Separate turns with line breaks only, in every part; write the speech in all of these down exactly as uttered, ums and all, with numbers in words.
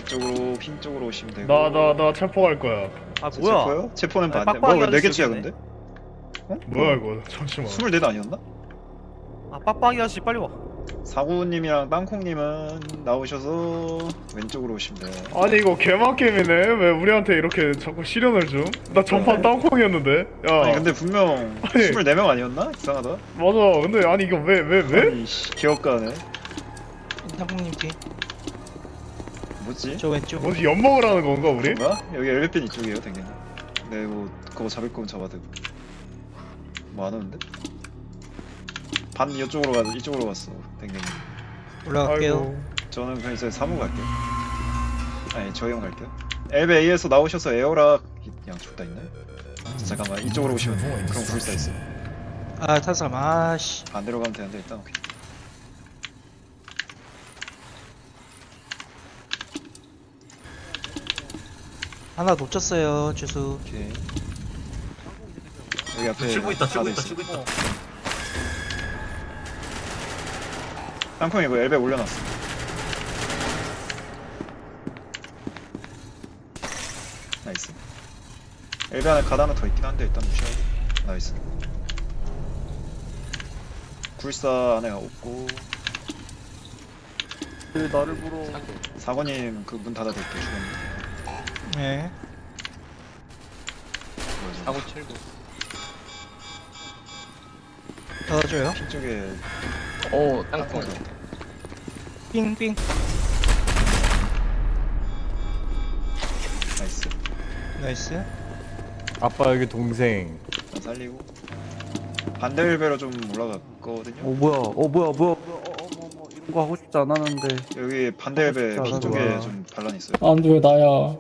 이쪽으로 핑 쪽으로 오시면 되고.
나 나 나 체포 갈 거야.
아
제
뭐야?
체포요? 체포는
아니,
반대.
빡빡이
뭐네
아저씨
개째야
여기네.
근데? 어?
뭐야 이거? 잠시만.
스물넷 아니었나?
아 빡빡이 아저씨 빨리 와.
사구님이랑 땅콩님은 나오셔서 왼쪽으로 오시면 돼요.
아니 이거 개막게임이네. 왜 우리한테 이렇게 자꾸 시련을 줌? 나 전판 땅콩이었는데. 야.
아니 근데 분명
아니.
스물네 명 아니었나? 이상하다.
맞아. 근데 아니 이거 왜 왜 왜?
아니 씨 기억가네.
땅콩님 뒤.
뭐지?
저 왼쪽.
뭐지 엿먹을 하는 건가 우리?
뭔가? 여기 엘베핀 이쪽이에요 당연히. 네 뭐 그거 잡을 거면 잡아도 되고. 뭐 안 오는데? 반 이쪽으로 가 이쪽으로 갔어 당연히.
올라갈게요.
아이고.
저는 그냥 이제 사무 갈게요. 아니 저 형 갈게요. 엘베 A에서 나오셔서 에어락 양쪽 다 있나요? 잠깐만 이쪽으로 오시면 돼. 그럼 불사 있어.
아 탄삼. 아씨.
반대로 가면 되는데 일단 오케이.
하나 놓쳤어요. 주수.
오케이. 여기 앞에
치고 있다, 치고
하나
있다,
있어.
치고 있다.
땅콩이 이거 엘베 올려놨어. 나이스. 엘베 안에 가드 하나 더 있긴 한데 일단 무시하고. 나이스. 굴사 안에 없고.
왜 나를 불어?
사관님 그 문 닫아둘게 죽었네.
네.
사고
칠구.
닫아줘요.
핀 쪽에
오,
땅콩.
땅콩.
삥삥.
나이스.
나이스.
아빠 여기 동생.
일단 살리고. 반대 엘베로 좀 올라갔거든요.
어 뭐야 어 뭐야 뭐야 어, 어, 뭐, 뭐, 이런 거 하고 싶지 않았는데
여기 반대 엘베
아,
핀
진짜
쪽에
나도야.
좀 반란 있어요.
아 근데 왜 나야?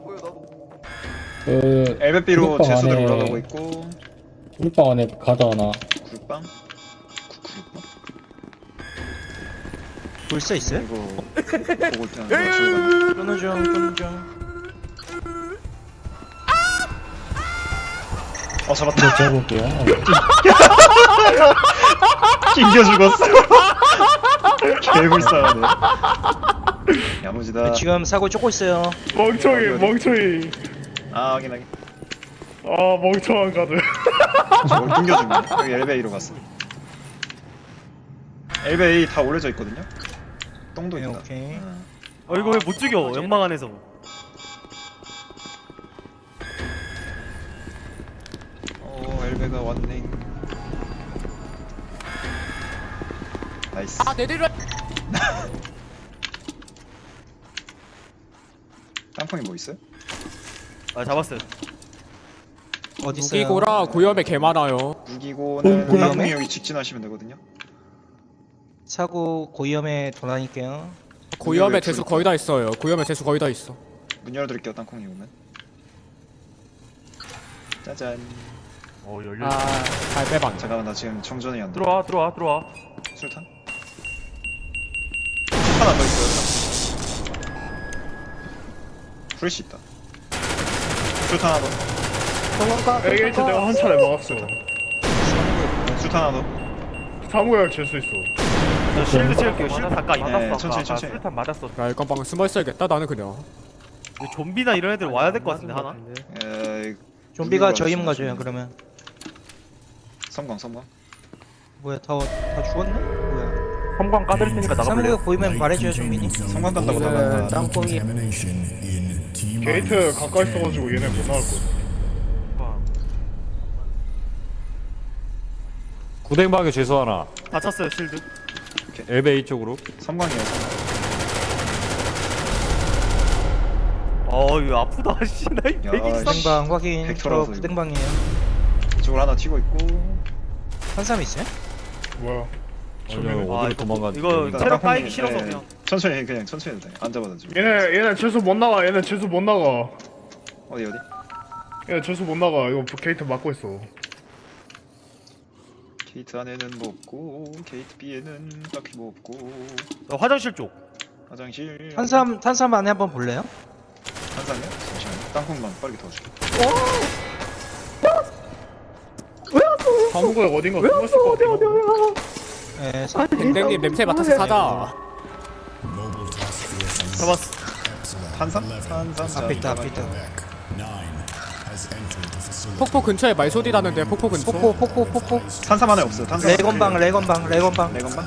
그
엘베 B로
구육방
제수들
안에-
올라가고 있고.
꿀빵 안에 가드 하나.
구육방? 구- 구육방?
불사 있어요?
이거 보고 있잖아. 나
끊어 중. 끊어 중.
어 잡았다.
이거 재볼게요.
낑겨 죽었어. 개불쌍하네. 야무지다.
지금 사고 쫓고 있어요.
멍청이
어디, 어디?
멍청이.
아 확인 확인.
아 멍청한 가드.
저걸 낑겨 죽네. 여기 엘베이로 갔어. 엘베이 다 올려져 있거든요. 똥도
네,
있다.
오케이.
응.
어 이거 왜 못 죽여? 연막 안에서.
어 엘베가 왔네. 나이스.
아 내리려.
땅콩이 뭐 있어요?
아 잡았어요.
어디 있어요?
무기고라 고염에 개 많아요.
무기고는
고위험해?
땅콩이 여기 직진하시면 되거든요.
사고 고위험에 돌아다닐게요.
고염에
왜
대수
불-
거의 다 있어요. 고염에 대수 거의 다 있어.
문 열어드릴게요. 땅콩이 오면. 짜잔.
어 열려.
아잘 빼방.
잠깐만 나 지금 정전이 안 돼.
들어와 들어와 들어와.
술탄? 하나 더 있어요. 프레시 있다. 술탄 하나 더.
에이치 내가 한 차례 막았어.
술탄 하나 더.
사무약 잴수 있어.
저 실드 채울게요. 실드 가까이.
네,
맞았어.
천천히,
아까
천천히.
수류탄 맞았어.
야 이건 방금 숨어 있어야겠다. 나는 그냥.
근데 좀비나 이런 애들 와야 될 것 같은데 하나.
에이,
좀비가
무기고라
저희만 가져요.
하시면
그러면.
섬광 섬광.
뭐야 다, 다 죽었네? 뭐야?
섬광 까드릴 테니까 나가볼래요?
사무가 보이면 말해줘요 좀비니.
섬광 간다고
네,
나간다.
땅콩이.
게이트 가까이 있어가지고 얘네 못 나올 거야.
구댕방에 죄수 하나.
다 찼어요 실드.
엘베이 쪽으로.
섬광이에요. 섬광.
어 이거 아프다. 씨나 이
야,
백일삼.
부댕방 확인. 저
벡터라서 이거.
부댕방이에요.
이쪽으로 하나 튀고 있고.
한 사람 있어요?
뭐야?
아니요,
아,
어디로
이거
도망갔지?
이거
일단
체력
땅콩이-
쌓이기 싫어서
네,
그냥.
천천히 그냥 천천히 해도 돼. 안 잡아가지고.
얘네 얘네 죄수 못 나가. 얘네 죄수 못 나가.
어디 어디?
얘네 죄수 못 나가. 이거 게이트 막고 있어.
게이트 안에는 뭐 없고 게이트 B에는 딱히 뭐 없고.
어, 화장실 쪽.
화장실.
탄삼 탄삼 안에 한번 볼래요?
한상이요? 잠시만요. 땅콩만 빠르게 도와줄게.
사무약 어딘가 숨었을 것 같아.
네. 사...
댕댕님 냄새 맡아서 사자.
잡았어.
산삼? 산삼.
앞에 있다 앞에 있다.
폭포 근처에 말소리 나는데 폭포 근처.
폭포 폭포 폭포.
산삼 안에 없어. 탄산.
레건방 레건방 레건방.
레건방.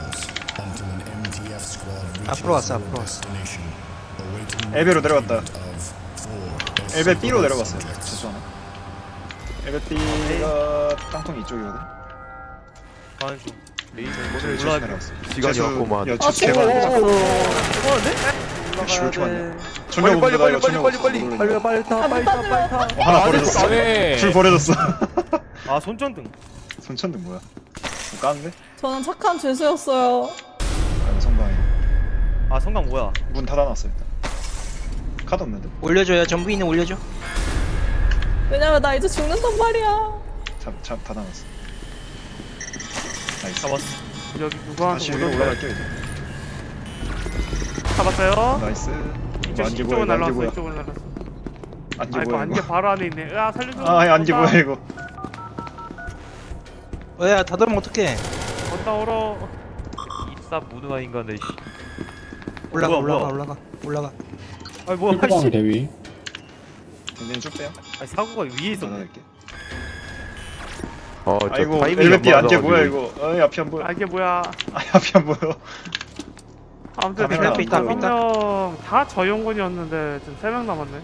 앞으로 왔어 앞으로 왔어.
엘베로 내려갔다. 엘베 B로 내려갔어요. 죄송하네. 엘베 B가 땅콩 이쪽이거든.
가는 중. 레이저
저기
오늘
제수
올라가.
내려갔어.
시간이
제수-
없구만.
야,
아,
제수 개발.
올라가는데?
역시 왜 이렇게 많냐?
빨리
전력
빨리
없는데 나
빨리
이거
빨리
전력
빨리
없어.
빨리
모르겠네.
빨리 빨리 타 빨리 타 빨리 타.
어, 하나 버려졌어.
왜?
줄 버려졌어.
아 손전등.
손천등 뭐야? 뭐 까는데?
저는 착한 죄수였어요.
아, 성광이.
아 성강 뭐야?
문 닫아놨어 일단. 카드 없는데?
올려줘요 전부인은 올려줘.
왜냐면 나 이제 죽는단 말이야.
잡, 잡 닫아놨어. 나이스.
잡았어.
여기 누가
다시 위로 올라갈게요 이제.
잡았어요.
나이스.
이쪽
안개
이쪽으로
뭐야? 안개
날라왔어.
뭐야?
이쪽으로 날라왔어.
안개
아이고
뭐야?
안개
이거?
바로 안에 있네. 아 살려줘.
아, 아니, 안개 뭐야 이거?
어야 닫으면 어떡해.
건다 얼어.
입사 무능한 인간들. 씨.
올라가
뭐야,
올라가
뭐야?
올라가 올라가.
아 뭐야?
힐방
씨.
대위.
굉장히 쭉 빼요.
아니 사고가 위에 있었네.
닫아낼게.
어,
아이고 엘베피 안개 뭐야 이거? 아이 앞이 안 보여.
아 이게 뭐야?
아이 앞이 안 보여.
아무튼
카메라
세
앞에 있다,
다섯
앞에 있다.
명 다 저용군이었는데 지금 세 명 남았네.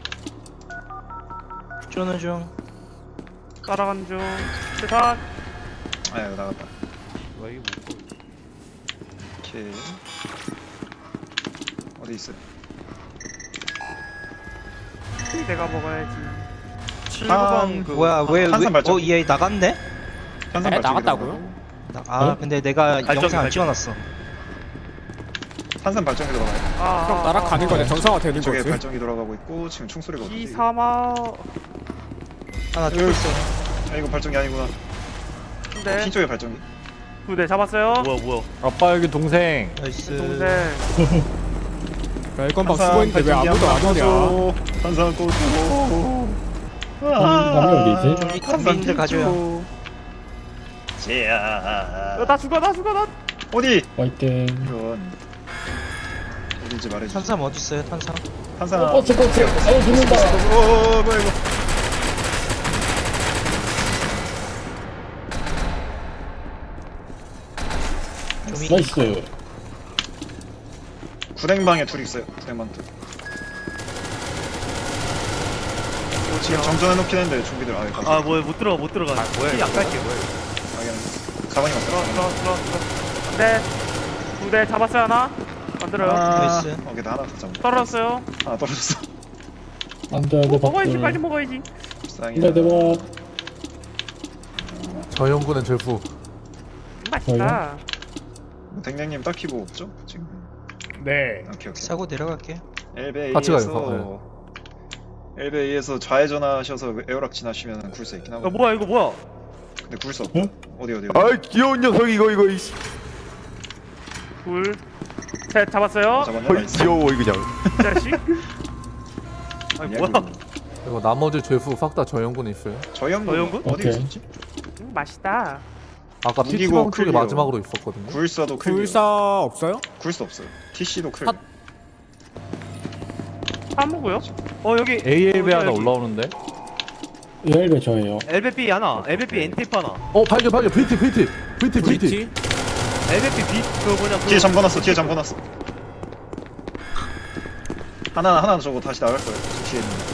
쪼는 중.
따라간 중. 세상.
아 이거 나갔다.
와 이거 뭐?
오케이. 어디 있어요?
내가 먹어야지.
칠구방 그
뭐야 왜
탄산 발전.
왜어얘 나갔네?
현상
에,
발전기
나갔다고요?
들어가고.
나, 아
어?
근데 내가
발전기,
영상 안
발전기.
찍어놨어.
탄산 발전기 들어가요.
아,
그럼 날아가는 거네. 정상화 되는
이쪽에
거지.
발전기 들어가고 있고 지금 총소리가 없는데. 이게.
이삼아.
하나 쭉 있어.
아 이거 발전기 아니구나.
네.
핀 쪽에 발전기.
두대 잡았어요.
뭐야 뭐야?
아빠 여기 동생.
나이스.
동생.
멜건방 쓰고 있는데 왜 아무도 안 오냐?
탄산 꽂고.
남이 어디 있지?
컴빈들 가져요.
제야.
어, 나 죽어 나 죽어 나.
어디?
화이팅.
이런. 어딘지 말해주세요.
탄삼 어디 있어요 탄삼?
탄산.
어, 버스 버스. 어 죽는다.
어 뭐야 이거?
좀이
나이스.
구랭방에 둘 있어요. 구랭방 둘. 어, 지금 정전해 놓긴 했는데 좀비들 아예 가서.
아 뭐야 못 들어가 못 들어가. 아 뭐야? 안 갈게 뭐야?
당연히. 가방이
들어
없어.
들어 들어 들어. 네. 두대 잡았어요 하나. 만들어요.
아,
나이스.
오케이 나 하나 더 잡아.
떨어졌어요.
하나 떨어졌어.
안돼 안돼
먹어야지 빨리
박들.
먹어야지.
불쌍해.
안돼 대박.
저용군은 절fu.
맛있다.
댕댕님 딱히 뭐 없죠? 지금.
네.
오케이 오케이.
사고 내려갈게.
같이 가요,
엘베이에서 엘베이에서 좌회전하셔서 에어락 지나시면 굴 수 있긴
아
하거든요.
뭐야 이거 뭐야?
근데 굴 수 없어.
응?
어디 어디 어디.
아이 귀여운 녀석 이거 이거 이씨.
둘. 셋 잡았어요.
아, 잡았냐?
어이
나이스.
귀여워 이 그냥.
이 자식.
아니
아니야,
뭐야?
그거.
이거 나머지 절fu 싹 다 저용군 있어요.
저 형군
저 형군?
어디
오케이.
있었지?
음, 맛있다.
아까
무기고
피티방 쪽에
클리어.
마지막으로 있었거든요.
굴사도 클리어.
불사 없어요?
굴수 없어요. 티씨도 클.
핫.
사무고요?
어 여기
에이엘비
어,
하나
여기.
올라오는데.
열배 저예요.
엘베피 하나, 엘베피 엔티프 하나,
어 발견 발견 브리티 브리티 브리티 브리티.
브리티?
엘베피 비 그거 뭐냐?
뒤에 잠궈놨어. 뒤에 잠궈놨어. 하나 하나 저거 다시 나갈 거예요. 저 뒤에 있는.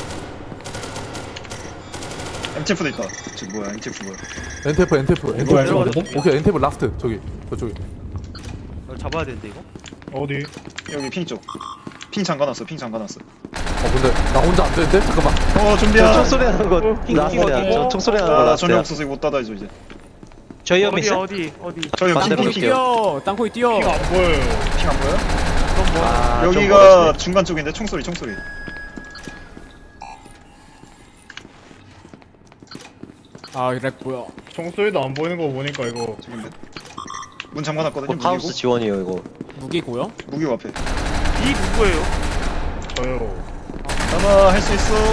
엠티에프도 있다. 저 뭐야? 엠티에프 뭐야?
엔테프 엔테프
이거
엔테프.
알거든?
오케이 엔테프 라스트 저기 저쪽에.
이거 잡아야 되는데 이거?
어디?
여기 핑 쪽. 핑 잠궈놨어. 핑 잠궈놨어.
어 근데 나 혼자 안 되는데 잠깐만.
어 좀비야.
총소리 하는 거.
라스트야. 저
총소리 하는
아, 나 전혀 없어서 이거 못 닫아야죠 이제.
저희 옆에
어디
있어?
어디 어디.
저기
만들어
핑, 핑,
볼게요.
뛰어. 땅콩이 뛰어.
핑 안 보여요.
핑 안 보여?
아, 좀
여기가
멀어지네.
중간 쪽인데 총소리 총소리.
아 이렉 뭐야?
총소리도 안 보이는 거 보니까 이거
저긴데. 문 잠궈놨거든요. 무기고.
하우스 지원이에요 이거.
무기고요?
무기고 앞에.
이 누구예요?
저요.
아마 할 수 있어.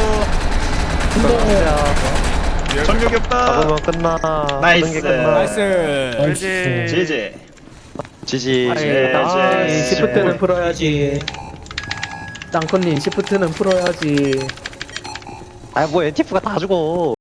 전력이 없다.
잡으면 끝나.
나이스.
모든 게 끝나.
나이스.
나이스.
제제.
지지.
예,
아,
예.
시프트는 풀어야지.
땅콩님 시프트는 풀어야지.
아 뭐 엔티프가 다 죽어.